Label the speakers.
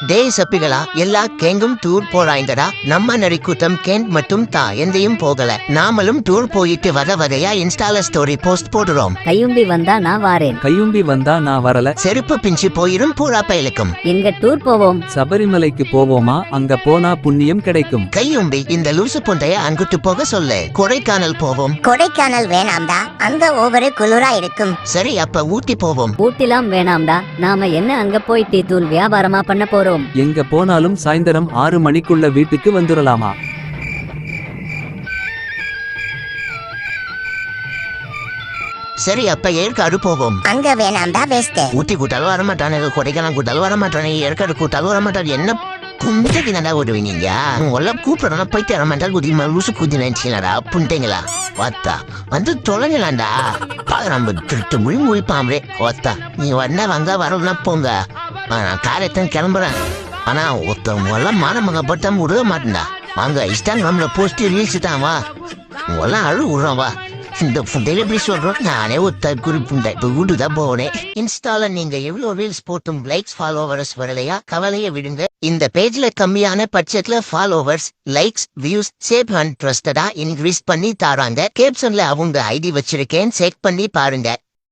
Speaker 1: டேய் சப்பிகளா, எல்லா கேங்கும் டூர் போறாய்ங்கடா. நம்ம நரிக்கூட்டம் கேன் மட்டும் எந்தையும் போகல. நாமளும் டூர் போயிட்டு வகையா இன்ஸ்டால ஸ்டோரி போஸ்ட் போடுறோம்.
Speaker 2: கையும்பி வந்தா நான் வாரேன்.
Speaker 3: கையும்பி வந்தா நான் வரல.
Speaker 1: செருப்பு பிஞ்சு போயிரும் பூரா பயலுக்கும்.
Speaker 2: எங்க டூர் போவோம்?
Speaker 3: சபரிமலைக்கு போவோமா? அங்க போனா புண்ணியம் கிடைக்கும்.
Speaker 1: கையும்பி இந்த லூசு பொண்டைய அங்குட்டு போக சொல்லு. கொடைக்கானல் போவோம்.
Speaker 4: கொடைக்கானல் வேணாம்டா, அந்த ஓவரு குளிரா இருக்கும்.
Speaker 1: சரி, அப்ப ஊட்டி போவோம்.
Speaker 2: ஊட்டிலாம் வேணாம்டா, நாம என்ன அங்க போய் டீ தூள் வியாபாரமா பண்ண போறோம்?
Speaker 3: எங்க போனாலும் சாயந்தரம் 6 மணிக்குள்ள வீட்டுக்கு வந்துடலாமா?
Speaker 1: சரி, அப்ப ஏற்காடு போவோம்.
Speaker 4: அங்க வேணாம்டா, பெஸ்ட்.
Speaker 1: ஊட்டி கூட்டாலும் வரமாட்டானு, கொடைக்கானல் கூட்டாலும் வரமாட்டானு, ஏற்காடு கூட்டாலும் வரமாட்டாரு. என்ன குஞ்சதி நல்லா ஓடுவீங்க? உங்கள கூப்பிடணும், போயிட்டு வரமாட்டாரு. குதிமா லூசு குதி நினைச்சீங்களா புண்டைங்களா? வாத்தா வந்து தொலைங்களாண்டா. நம்ம திருட்டு மொழி முழிப்பாமரே. வாத்தா நீ வந்தா வந்தா வரலன்னா போங்க. நான் காரியத்தான் கிளம்புறேன். ஆனா ஒருத்தவங்க எல்லாம் மானமகப்பட்ட விடவே மாட்டேன்டா. வாங்க இன்ஸ்டாகிராம்ல போஸ்ட் ரீல்ஸ் தான் வா. உங்கெல்லாம் அழு விடுறோம் வா. இந்த புண்டையில எப்படி சொல்றோம்? நானே ஒரு தற்குறி புண்டை. இப்ப வீட்டுதான் போனேன். இன்ஸ்டால நீங்க எவ்வளவு ரீல்ஸ் போட்டும் லைக்ஸ் ஃபாலோவர்ஸ் வரலையா? கவலைய விடுங்க. இந்த பேஜ்ல கம்மியான பட்ஜெட்ல followers, likes, views save and ட்ரஸ்டடா இன்க்ரீஸ் பண்ணி தாராங்க. கேப்ஷன்ல அவங்க ஐடி வச்சிருக்கேன், செக் பண்ணி பாருங்க.